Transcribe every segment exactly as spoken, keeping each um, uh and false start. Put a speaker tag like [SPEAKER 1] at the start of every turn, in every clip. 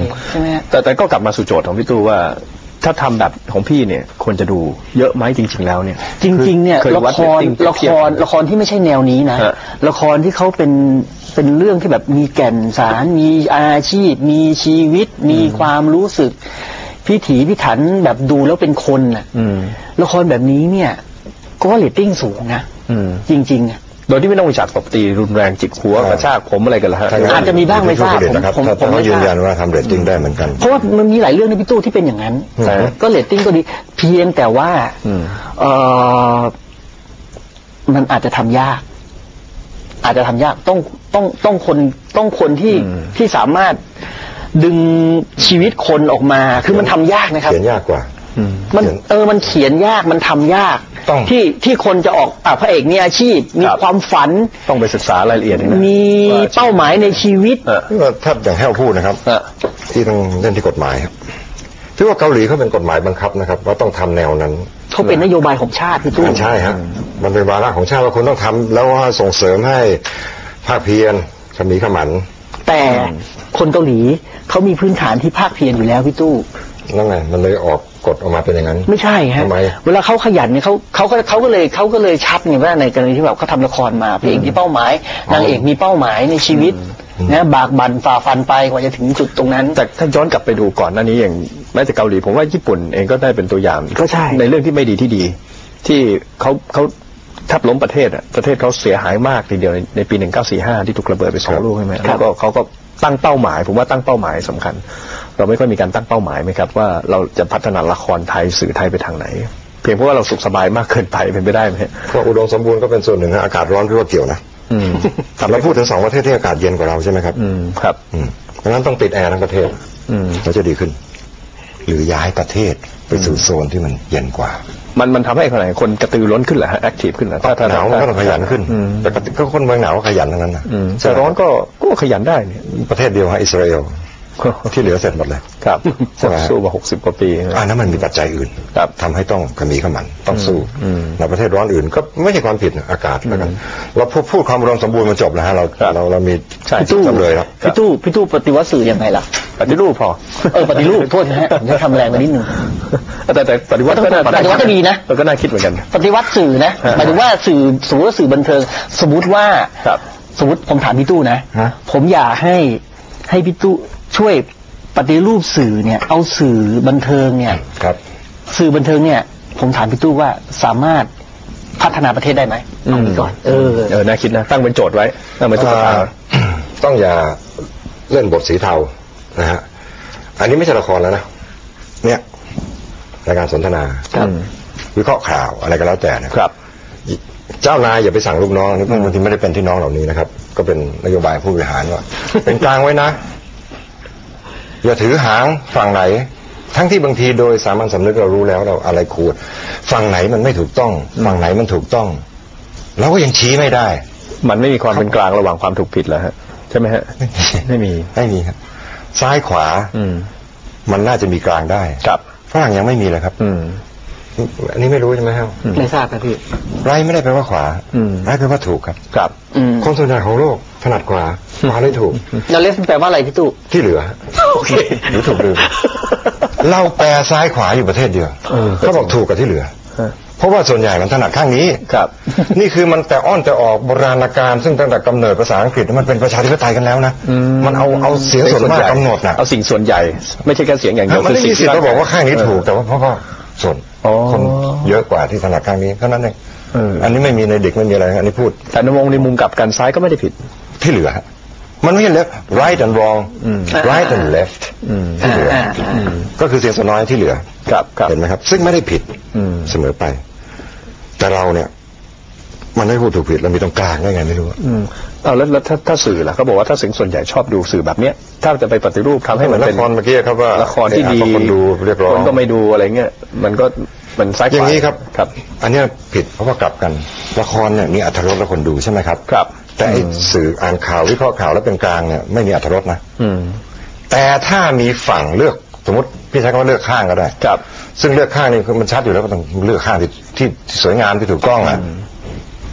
[SPEAKER 1] ใช่ไหม
[SPEAKER 2] แต่แต่ก็กลับมาสู่โจทย์ของพี่ตู้ว่าถ้าทำแบบของพี่เนี่ยควรจะดูเยอะไหมจริงๆแล้วเนี่ย
[SPEAKER 1] จริงๆเนี่ยละครละครละครที่ไม่ใช่แนวนี้นะละครที่เขาเป็นเป็นเรื่องที่แบบมีแก่นสารมีอาชีพมีชีวิตมีความรู้สึกพิถีพิถันแบบดูแล้วเป็นคนน่ะละครแบบนี้เนี่ยก็เรตติ้งสูงนะจริงๆ
[SPEAKER 2] โดยที่ไม่ต้องมีฉากตบตีรุนแรงจิกหัวกระชากผมอะไรกันละฮะ
[SPEAKER 1] อาจจะมีบ้างไม่ทราบ
[SPEAKER 3] ผมผมผมยืนยันว่าทำเรตติ้งได้เหมือนกัน
[SPEAKER 1] เพราะว่ามันมีหลายเรื่องในพี่ตู้ที่เป็นอย่างนั้นก็เรตติ้งก็ดีเพียงแต่ว่าเออมันอาจจะทำยากอาจจะทำยากต้องต้องต้องคนต้องคนที่ที่สามารถดึงชีวิตคนออกมาคือมันทำยากนะครับ
[SPEAKER 3] เขียนยากกว่า
[SPEAKER 1] มันเออมันเขียนยากมันทำยากที่ที่คนจะออกอ่ะพระเอกมีอาชีพมีความฝัน
[SPEAKER 2] ต้องไปศึกษารายละเอียด
[SPEAKER 1] มีเป้าหมายในชีวิต
[SPEAKER 3] ถ้าอย่างแห้วพูดนะครับที่ต้องเล่นที่กฎหมายครับที่ว่าเกาหลีเขาเป็นกฎหมายบังคับนะครับว่าต้องทำแนวนั้น
[SPEAKER 1] เขาเป็นนโยบายของชาติพี่ตู้
[SPEAKER 3] ใช่ครับมันเป็นวาระของชาติว่าคุณต้องทำแล้วว่าส่งเสริมให้ภาคเพียรขมีขมัน
[SPEAKER 1] แต่คนเกาหลีเขามีพื้นฐานที่ภาคเพียรอยู่แล้วพี่ตู้
[SPEAKER 3] นั่นไงมันเลยออกกฎออกมาเป็นอย่างนั้น
[SPEAKER 1] ไม่ใช่ฮะเวลาเขาขยันเนี่ยเขาเขาก็เขาก็เลยเขาก็เลยชัดไงว่าในกรณีที่แบบเขาทำละครมาพระเอกมีเป้าหมายนางเอกมีเป้าหมายในชีวิตนะบากบั่นฝ่าฟันไปกว่าจะถึงจุดตรงนั้น
[SPEAKER 2] แต่ถ้าย้อนกลับไปดูก่อนหน้านี้อย่างแม้แต่เกาหลีผมว่าญี่ปุ่นเองก็ได้เป็นตัวอย่าง
[SPEAKER 1] ก็ใช่
[SPEAKER 2] ในเรื่องที่ไม่ดีที่ดีที่เขาเขาแทบล้มประเทศอ่ะประเทศเขาเสียหายมากทีเดียวในในปีหนึ่งเก้าสี่ห้าที่ถูกระเบิดไปสองลูกใช่ไหมแล้วก็เขาก็ตั้งเป้าหมายผมว่าตั้งเป้าหมายสำคัญเราไม่ค่อยมีการตั้งเป้าหมายไหมครับว่าเราจะพัฒนาละครไทยสื่อไทยไปทางไหนเพียงเพราะว่าเราสุขสบายมากเกินไปเป็นไปได้ไหม
[SPEAKER 3] เพราะอุดมสมบูรณ์ก็เป็นส่วนหนึ่งอากาศร้อนพี่ว่าเกี่ยวนะเราพูดถึงสองประเทศที่อากาศเย็นกว่าเราใช่ไหมครับ
[SPEAKER 2] ครับ
[SPEAKER 3] เพราะงั้นต้องติดแอร์ทั้งประเทศเราจะดีขึ้นหรือย้ายประเทศไปสู่โซนที่มันเย็นกว่า
[SPEAKER 2] มันมันทำให้คนไหนคนกระตือร้นขึ้นเหรอฮะแอคทีฟขึ้นเหรอ
[SPEAKER 3] ถ้าหนาวมันก็ต้องขยันขึ้นแต่ก็คนเมืองหนาวก็ขยันทั้งนั้นนะ
[SPEAKER 2] แต่ร้อนก็ก็ขยันได้เนี่ย
[SPEAKER 3] ประเทศเดียวฮะอิสราเอลที่เหลือเสร็จหมดเลย
[SPEAKER 2] ครับสู้มาหกสิบกว่าปี
[SPEAKER 3] อันนั้นมันมีปัจจัยอื่นทำให้ต้องขมีขมันต้องสู้ในประเทศร้อนอื่นก็ไม่ใช่ความผิดอากาศแล้วกันเราพูดพูดความอุดมสมบูรณ์มันจบแล้วฮะเราเราเรามี
[SPEAKER 1] พี่ตู้
[SPEAKER 3] เลยครับ
[SPEAKER 1] พี่ตู้พี่ตู้ปฏิวัติสื่อยังไงล่ะ
[SPEAKER 2] ปฏิรูปพอ
[SPEAKER 1] เออปฏิรูปโทษนะฮะผมจะทำแรงไปนิดนึง
[SPEAKER 2] แต่แต่ปฏิวัติก็น่า
[SPEAKER 1] ปฏิวัติก็ดีนะ
[SPEAKER 2] เราก็น่าคิดเหมือนกัน
[SPEAKER 1] ปฏิวัติสื่อนะหมายถึงว่าสื่อสมมติว่าสื่อบันเทิงสมมติว่าสมมติผมถามพี่ตู้นะผมอยากให้ให้พี่ตู้ช่วยปฏิรูปสื่อเนี่ยเอาสื่อบันเทิงเนี่ย
[SPEAKER 3] ครับ
[SPEAKER 1] สื่อบันเทิงเนี่ยผมถามพี่ตู้ว่าสามารถพัฒนาประเทศได้ไหมเอาไปก่อนเออ
[SPEAKER 2] เออน่าคิดนะตั้งเป็นโจทย์ไว้ตั้งเป็นตัวตา
[SPEAKER 3] ต้องอย่าเล่นบทสีเทานะฮะอันนี้ไม่ใช่ละครแล้วนะเนี่ยรายการสนทนาวิเคราะห์ข่าวอะไรก็แล้วแต่นะครับเจ้านายอย่าไปสั่งลูกน้องนี่บางทีไม่ได้เป็นที่น้องเหล่านี้นะครับก็เป็นนโยบายผู้บริหารว่าเป็นกลางไว้นะอย่าถือหางฝั่งไหนทั้งที่บางทีโดยสามัญสำนึกเรารู้แล้วเราอะไรควรฝั่งไหนมันไม่ถูกต้องฝั่งไหนมันถูกต้องเราก็ยังชี้ไม่ได้
[SPEAKER 2] มันไม่มีความเป็นกลางระหว่างความถูกผิดแล้วฮะใช่ไหมฮะไม่มี
[SPEAKER 3] ไม่มีครับซ้ายขวามันน่าจะมีกลางได้
[SPEAKER 2] ครับ
[SPEAKER 3] ฝรั่งยังไม่มีเลยครับอันนี้ไม่รู้ใช่ไหมครับ
[SPEAKER 1] ไม่ทราบครับพี่
[SPEAKER 3] ไรไม่ได้แปลว่าขวาไรแปลว่าถูกครับ
[SPEAKER 2] ครับ
[SPEAKER 3] คนส่วนใหญ่ของโลกถนัดขวาขวาเลยถูก
[SPEAKER 1] แล้วเลฟแปลว่าอะไรพี่ตู้
[SPEAKER 3] ที่เหลือ
[SPEAKER 1] โอเค
[SPEAKER 3] หรือถูกลืมเราแปลซ้ายขวาอยู่ประเทศเดียวเขาบอกถูกกับที่เหลือเพราะว่าส่วนใหญ่มันถนัดข้างนี้
[SPEAKER 2] ครับ
[SPEAKER 3] นี่คือมันแต่อ้อนแต่ออกโบราณกาลซึ่งตั้งแต่กำเนิดภาษาอังกฤษมันเป็นประชาธิปไตยกันแล้วนะมันเอาเอาเสียงส่วนมากกำหนดนะ
[SPEAKER 2] เอาสิ่งส่วนใหญ่ไม่ใช่แค่เสียงอย่างเดียว
[SPEAKER 3] มันไม่มีสิทธิ์เราบอกว่าข้างนี้ถูกแต่ว่าเพราะว่าส่วนคนเยอะกว่าที่ถนัดข้างนี้เท่านั้นเองอันนี้ไม่มีในเด็กไม่มีอะไรอันนี้พูด
[SPEAKER 2] แต่ในวงในมุมกลับกันซ้ายก็ไม่ได้ผิด
[SPEAKER 3] ที่เหลือมันไม่ใช่ left right and wrong right and left ที่เหลือก็คือเสียงส่วนน้อยที่เหลือเห็นไหมครับซึ่งไม่ได้ผิดเสมอไปแต่เราเนี่ยมันไม่พูดถูกผิดเรามีตรงกลางได้ไงไม่รู้
[SPEAKER 2] เอาแล้วถ้าถ้าสื่อล่ะเขาบอกว่าถ้าเสียงส่วนใหญ่ชอบดูสื่อแบบเนี้ยถ้าจะไปปฏิรูปทำให้มันเป็น
[SPEAKER 3] ละครเมื่อกี้ครับว่า
[SPEAKER 2] ละครที่ดี
[SPEAKER 3] คนดูเรียกร้อง
[SPEAKER 2] คนก็ไม่ดูอะไรเงี้ยมันก็มันซ้ายขวา
[SPEAKER 3] อย่างนี้ครับครับอันนี้ผิดเพราะว่ากลับกันละครเนี่ยมีอรรถรสและคนดูใช่ไหมครับ
[SPEAKER 2] ครับ
[SPEAKER 3] แต่สื่ออ่านข่าววิเคราะห์ข่าวแล้วเป็นกลางเนี่ยไม่มีอรรถรสนะแต่ถ้ามีฝั่งเลือกสมมติพี่ใช้คำว่าเลือกข้างก็ได้
[SPEAKER 2] ครับ
[SPEAKER 3] ซึ่งเลือกข้างนี่มันชัดอยู่แล้วก็ต้องเลือกข้างที่ที่สวยงามที่ถูกต้องอ่ะ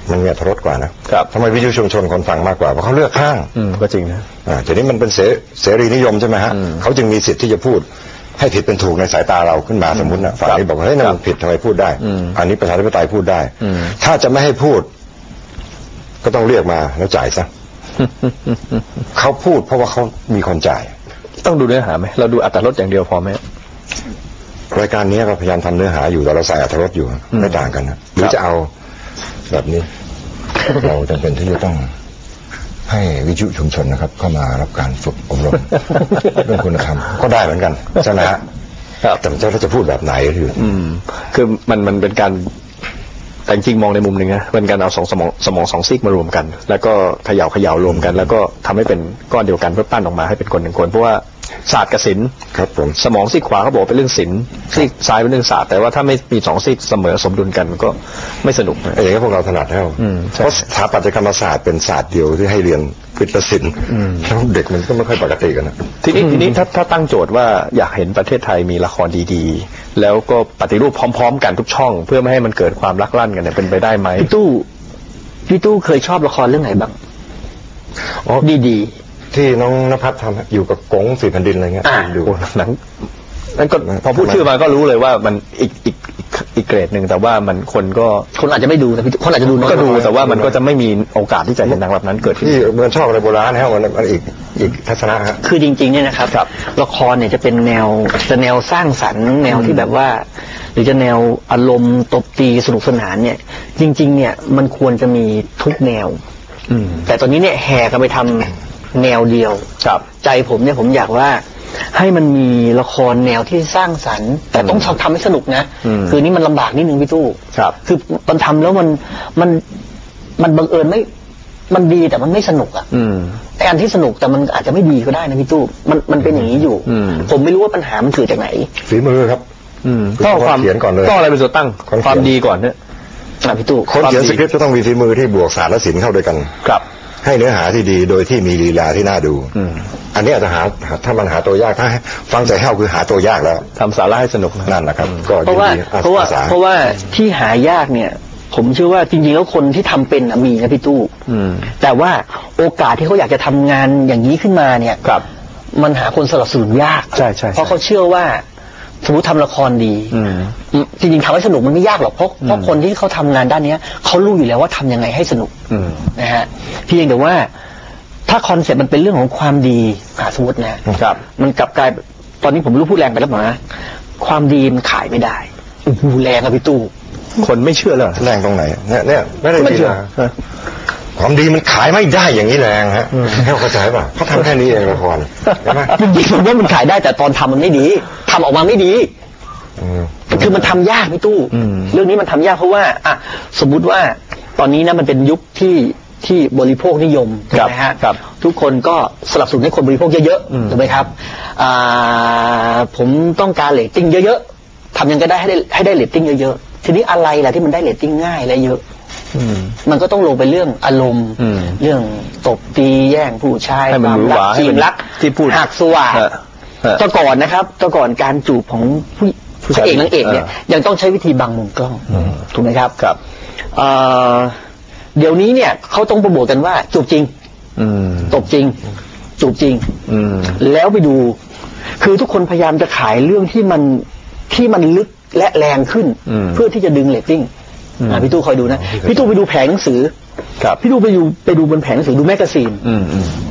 [SPEAKER 3] มันมีอรรถรสกว่านะครับทำไมวิทยุชุมชนคนฟังมากกว่าเพราะเขาเลือกข้าง
[SPEAKER 2] อืมก็จริงนะ
[SPEAKER 3] อ่าทีนี้มันเป็นเสเสรีนิยมใช่ไหมฮะเขาจึงมีสิทธิ์ที่จะพูดให้ผิดเป็นถูกในสายตาเราขึ้นมาสมมตินะฝ่ายนี้บอกว่าเฮ้ยนั่นผิดทำไมพูดได้อันนี้ประชาธิปไตยพูดได้ถ้าจะไม่ให้พูดก็ต้องเรียกมาแล้วจ่ายซะ เขาพูดเพราะว่าเขามีคนจ่าย
[SPEAKER 2] ต้องดูเนื้อหาไหมเราดูอรรถรสอย่างเดียวพอไหม
[SPEAKER 3] รายการนี้เราพยายามทำเนื้อหาอยู่แต่เราใส่อรรถรสอยู่ไม่ต่างกันนะหรือจะเอาแบบนี้ เราจำเป็นที่จะต้องให้วิทยุชุมชนนะครับเข้ามารับการฝึกอบรม เรื่องคุณธรรมก็ได้เหมือนกันใช่ไหมฮะแต่เราจะพูดแบบไหนคือ
[SPEAKER 2] อืมคือมันมันเป็นการแต่จริงมองในมุมหนึ่งนะเป็นการเอาสองสมองสมองสองซีกมารวมกันแล้วก็เขย่าเขย่ารวมกันแล้วก็ทำให้เป็นก้อนเดียวกันเพื่อปั้นออกมาให้เป็นคนหนึ่งคนเพราะว่าศาสตร์กับศิลป์
[SPEAKER 3] ครับผม
[SPEAKER 2] สมองซีกขวาเขาบอกเป็นเรื่องศิลป์ซีกซ้ายเป็นเรื่องศาสตร์แต่ว่าถ้าไม่มีสองซีกเสมอสมดุลกันก็ไม่สนุก
[SPEAKER 3] อย่างนี้พวกเราถนัดแล้วเพราะสถาปัตยกรรมศาสตร์เป็นศาสตร์เดียวที่ให้เรียนวิทยาศิลป์แล้วเด็กมันก็ไม่ค่อยปกติกันนะ
[SPEAKER 2] ทีนี้ทีนี้ถ้าถ้าตั้งโจทย์ว่าอยากเห็นประเทศไทยมีละครดีๆแล้วก็ปฏิรูปพร้อมๆกันทุกช่องเพื่อไม่ให้มันเกิดความลักลั่นกันเนี่ยเป็นไปได้ไหม
[SPEAKER 1] พี่ตู้พี่ตู้เคยชอบละครเรื่องไหนบ้างอ๋อดี
[SPEAKER 3] ๆที่น้องณภัทรทำอยู่กับกงสี่แผ่นดินอะไรเงี้ย
[SPEAKER 2] ดูหนังนั่นก็พอพูดชื่อมาก็รู้เลยว่ามันอีกอีกอีกเกรดหนึ่งแต่ว่ามันคนก็
[SPEAKER 1] คนอาจจะไม่ดูแต่คนอาจจะดู
[SPEAKER 2] ก็ดูแต่ว่ามันก็จะไม่มีโอกาสที่จะเห็นหนังแบบนั้นเกิดขึ้น
[SPEAKER 3] ที่เมืองชอบอะไรโบราณนะมันมันอีกอีกทัศนะฮะ
[SPEAKER 1] คือจริงๆเนี่ยนะครับละครเนี่ยจะเป็นแนวจะแนวสร้างสรรค์แนวที่แบบว่าหรือจะแนวอารมณ์ตบตีสนุกสนานเนี่ยจริงๆเนี่ยมันควรจะมีทุกแนวแต่ตอนนี้เนี่ยแห่กันไปทำแนวเดียวใจผมเนี่ยผมอยากว่าให้มันมีละครแนวที่สร้างสรรค์แต่ต้องทำให้สนุกนะคือนี่มันลำบากนิดนึงพี่ตู้คือมันทำแล้วมันมันมันบังเอิญไม่มันดีแต่มันไม่สนุกอ่ะแต่อันที่สนุกแต่มันอาจจะไม่ดีก็ได้นะพี่ตู้มันมันเป็นอย่างนี้อยู่ผมไม่รู้ว่าปัญหามันเกิดจากไหน
[SPEAKER 3] ฝีมือครับ
[SPEAKER 2] ต้องความเขียนก่อนเลยต้องอะไรเป็นตัวตั้งความดีก่อนเนี่ย
[SPEAKER 1] พี่ตู้
[SPEAKER 3] คนเขียนสคริปต์จะต้องมีฝีมือที่บวกศาสตร์และศิลป์เข้าด้วยกัน
[SPEAKER 2] ครับ
[SPEAKER 3] ให้เนื้อหาที่ดีโดยที่มีลีลาที่น่าดูอันนี้อาจจะหาถ้ามันหาตัวยากถ้าฟังใจแห้วคือหาตัวยากแล้ว
[SPEAKER 2] ทำสาระให้สนุก
[SPEAKER 3] นั่นนะครับก็
[SPEAKER 1] เพราะว่าเพราะว่าเพราะว่าที่หายากเนี่ยผมเชื่อว่าจริงๆแล้วคนที่ทำเป็นมีนะพี่ตู้แต่ว่าโอกาสที่เขาอยากจะทำงานอย่างนี้ขึ้นมาเนี่ยมันหาคนสนับสนุนยาก
[SPEAKER 2] ใช่ใช่
[SPEAKER 1] เพราะเขาเชื่อว่าสมมติทำละครดีจริงๆทำให้สนุกมันไม่ยากหรอกเพราะเพราะคนที่เขาทำงานด้านนี้เขารู้อยู่แล้วว่าทำยังไงให้สนุกนะฮะเพียงแต่ว่าถ้าคอนเซ็ปต์มันเป็นเรื่องของความดีสมมตินะครับมันกลับกลายตอนนี้ผมรู้พูดแรงไปแล้วนะความดีมันขายไม่ได้โอ้โหแรงอะพี่ตู้
[SPEAKER 2] คนไม่เชื่อเลย
[SPEAKER 3] แรงตรงไหนเนี่ยเนี่ยไม่ได้เชื่อความดีมันขายไม่ได้อย่างนี้แรงฮะให้เข้าใจป่ะเขาทำแค่นี้เองละครใช่ไหม
[SPEAKER 1] จริงๆผมว่ามันขายได้แต่ตอนทำมันไม่ดีทำออกมาไม่ดีคือมันทำยากพี่ตู้เรื่องนี้มันทำยากเพราะว่าอ่ะสมมุติว่าตอนนี้นะมันเป็นยุคที่ที่บริโภคนิยมนะฮะทุกคนก็สนับสนุนให้คนบริโภคเยอะๆถูกไหมครับผมต้องการเรตติ้งเยอะๆทำยังไงก็ได้ให้ได้ให้ได้เรตติ้งเยอะๆทีนี้อะไรล่ะที่มันได้เรตติ้งง่ายและเยอะมันก็ต้องลงไปเรื่องอารมณ์เรื่องตบตีแย่งผู้ชายความรักจีบรัก
[SPEAKER 2] ที่พูด
[SPEAKER 1] หักสว่าแต่ก่อนนะครับแต่ก่อนการจูบของผู้พระเอกนางเอกเนี่ยยังต้องใช้วิธีบังมุมกล้องถูกไหมครับ
[SPEAKER 2] ครับ
[SPEAKER 1] เดี๋ยวนี้เนี่ยเขาต้องโปรโมทกันว่าจูบจริงตบจริงจูบจริงแล้วไปดูคือทุกคนพยายามจะขายเรื่องที่มันที่มันลึกและแรงขึ้นเพื่อที่จะดึงเรตติ้งพี่ตู้คอยดูนะพี่ตู้ไปดูแผงหนังสือพี่ตู้ไปดูไปดูบนแผงหนังสือดูแมกกาซีน